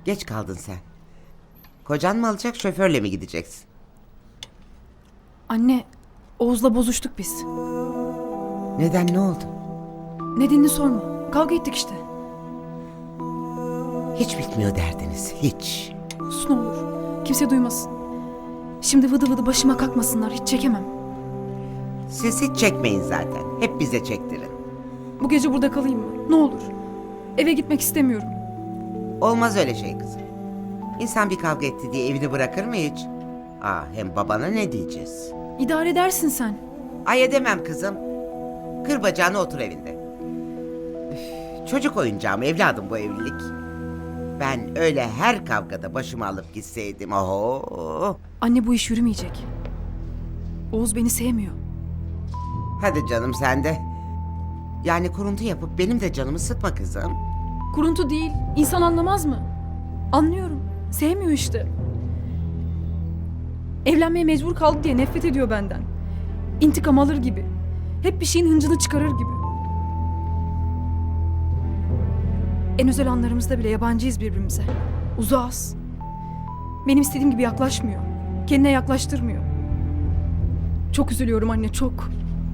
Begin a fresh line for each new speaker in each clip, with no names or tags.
Geç kaldın sen. Kocan mı alacak, şoförle mi gideceksin?
Anne, Oğuz'la bozuştuk biz.
Neden, ne oldu?
Nedenini sorma. Kavga ettik işte.
Hiç bitmiyor derdiniz, hiç.
Sus ne olur. Kimse duymasın. Şimdi vıdı vıdı başıma kalkmasınlar. Hiç çekemem.
Siz hiç çekmeyin zaten. Hep bize çektirin.
Bu gece burada kalayım mı? Ne olur. Eve gitmek istemiyorum.
Olmaz öyle şey kızım. İnsan bir kavga etti diye evini bırakır mı hiç? Hem babana ne diyeceğiz?
İdare edersin sen.
Ay edemem kızım. Kır bacağını, otur evinde. Çocuk oyuncağı mı evladım bu evlilik? Ben öyle her kavgada başımı alıp gitseydim. Oho.
Anne bu iş yürümeyecek. Oğuz beni sevmiyor.
Hadi canım sen de. Yani kuruntu yapıp benim de canımı sıkma kızım.
Kuruntu değil. İnsan anlamaz mı? Anlıyorum. Sevmiyor işte. Evlenmeye mecbur kaldı diye nefret ediyor benden. İntikam alır gibi. Hep bir şeyin hıncını çıkarır gibi. En özel anlarımızda bile yabancıyız birbirimize. Uzağız. Benim istediğim gibi yaklaşmıyor. Kendine yaklaştırmıyor. Çok üzülüyorum anne, çok.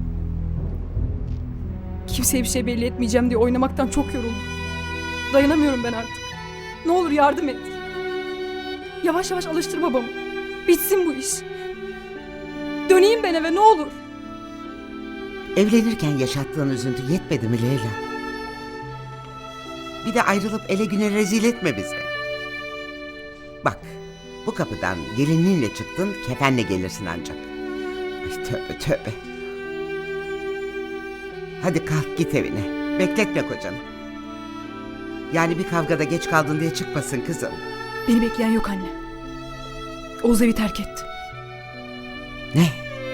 Kimseye bir şey belli etmeyeceğim diye oynamaktan çok yoruldum. Dayanamıyorum ben artık. Ne olur yardım et. Yavaş yavaş alıştır babamı. Bitsin bu iş. Döneyim ben eve ne olur.
Evlenirken yaşattığın üzüntü yetmedi mi Leyla? Bir de ayrılıp ele güne rezil etme bizi. Bak, bu kapıdan gelinliğinle çıktın, kefenle gelirsin ancak. Ay tövbe tövbe. Hadi kalk git evine. Bekletme kocanı. Yani bir kavgada geç kaldın diye çıkmasın kızım.
Beni bekleyen yok anne. Oğuz evi terk etti.
Ne?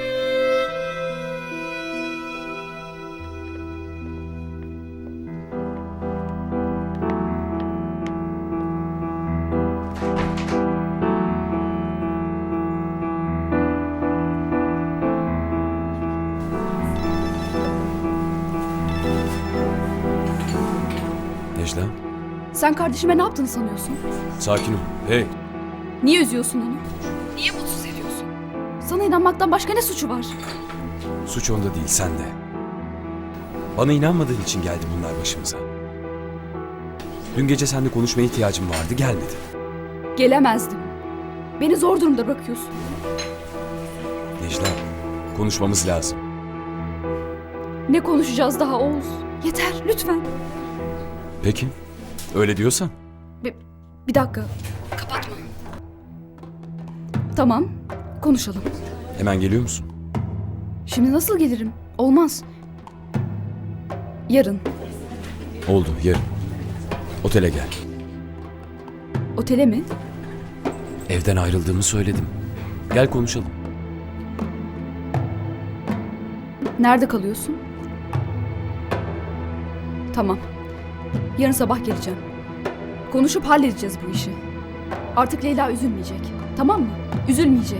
Necla,
Sen kardeşime ne yaptığını sanıyorsun?
sakin ol. Hey,
Niye üzüyorsun onu? Niye mutsuz ediyorsun? Sana inanmaktan başka ne suçu var?
suç onda değil, sende. Bana inanmadığın için geldi bunlar başımıza. Dün gece seninle konuşmaya ihtiyacım vardı, gelmedi.
Gelemezdim. Beni zor durumda bırakıyorsun.
Necla, konuşmamız lazım.
Ne konuşacağız daha Oğuz? Yeter lütfen.
Peki, öyle diyorsan.
Bir dakika. Kapatma. Tamam, konuşalım.
Hemen geliyor musun?
Şimdi nasıl gelirim? Olmaz. Yarın.
Oldu, yarın. Otele gel.
Otele mi?
Evden ayrıldığımı söyledim. Gel konuşalım.
Nerede kalıyorsun? Tamam. Yarın sabah geleceğim. Konuşup halledeceğiz bu işi. Artık Leyla üzülmeyecek. Tamam mı? Üzülmeyecek.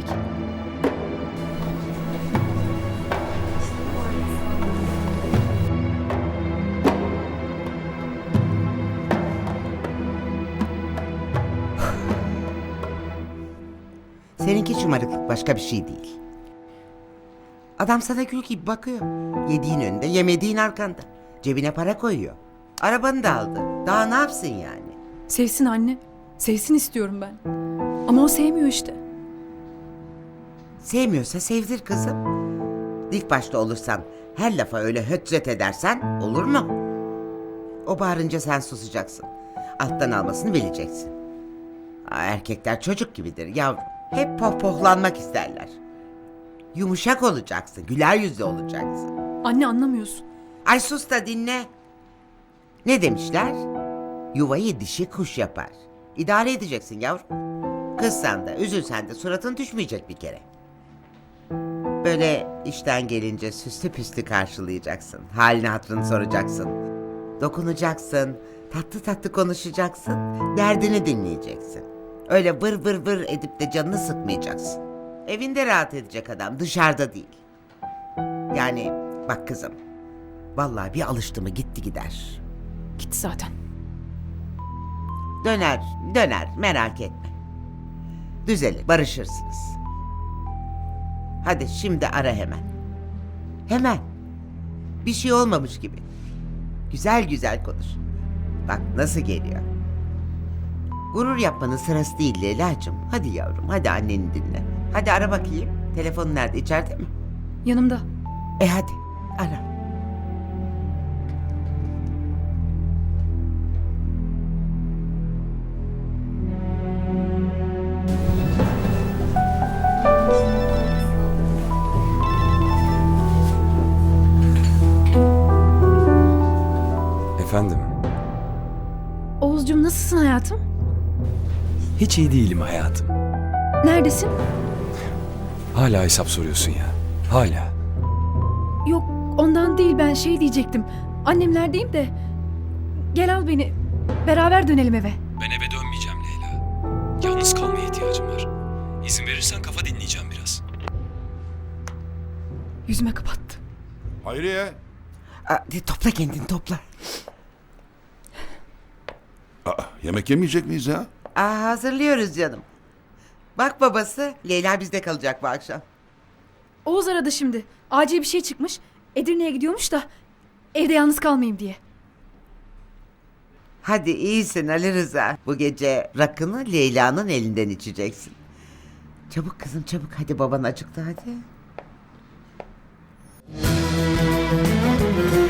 Seninki şımarıklık, başka bir şey değil. Adam sana gül gibi bakıyor. Yediğin önünde, yemediğin arkanda. Cebine para koyuyor. Arabanı da aldı. Daha ne yapsın yani?
Sevsin anne. Sevsin istiyorum ben. Ama o sevmiyor işte.
Sevmiyorsa sevdir kızım. Dik başta olursan, her lafa öyle hötzet edersen olur mu? O bağırınca sen susacaksın. Alttan almasını bileceksin. Erkekler çocuk gibidir yavrum. Hep pohpohlanmak isterler. Yumuşak olacaksın, güler yüzlü olacaksın.
Anne anlamıyorsun.
Ay sus da dinle. Ne demişler? Yuvayı dişi kuş yapar. İdare edeceksin yavrum. Kızsan da üzülsen de suratın düşmeyecek bir kere. Böyle işten gelince süslü püslü karşılayacaksın. Halini hatırını soracaksın. Dokunacaksın. Tatlı tatlı konuşacaksın. Derdini dinleyeceksin. Öyle vır vır vır edip de canını sıkmayacaksın. Evinde rahat edecek adam, dışarıda değil. Yani bak kızım. Vallahi bir alıştı mı gitti gider.
Gitti zaten.
Döner merak etme. Düzelir, barışırsınız. Hadi şimdi ara hemen. Hemen. Bir şey olmamış gibi. Güzel güzel konuş. Bak nasıl geliyor. Gurur yapmanın sırası değil Leyla'cığım. Hadi yavrum, hadi anneni dinle. Hadi ara bakayım. Telefonun nerede, içeride mi?
Yanımda.
Hadi ara.
Efendim,
Oğuzcum nasılsın hayatım?
hiç iyi değilim hayatım.
Neredesin?
Hala hesap soruyorsun ya. Hala.
Yok ondan değil, ben şey diyecektim. Annemlerdeyim de. Gel al beni. Beraber dönelim eve.
Ben eve dönmeyeceğim Leyla. Yalnız kalmaya ihtiyacım var. İzin verirsen kafa dinleyeceğim biraz.
Yüzüme kapattı.
Hayriye.
Topla kendini topla.
Yemek yemeyecek miyiz ya?
Hazırlıyoruz canım. Bak babası, Leyla bizde kalacak bu akşam.
Oğuz aradı şimdi. Acil bir şey çıkmış. Edirne'ye gidiyormuş da evde yalnız kalmayayım diye.
Hadi iyisin Ali Rıza. Bu gece rakını Leyla'nın elinden içeceksin. Çabuk kızım çabuk. Hadi baban acıktı hadi.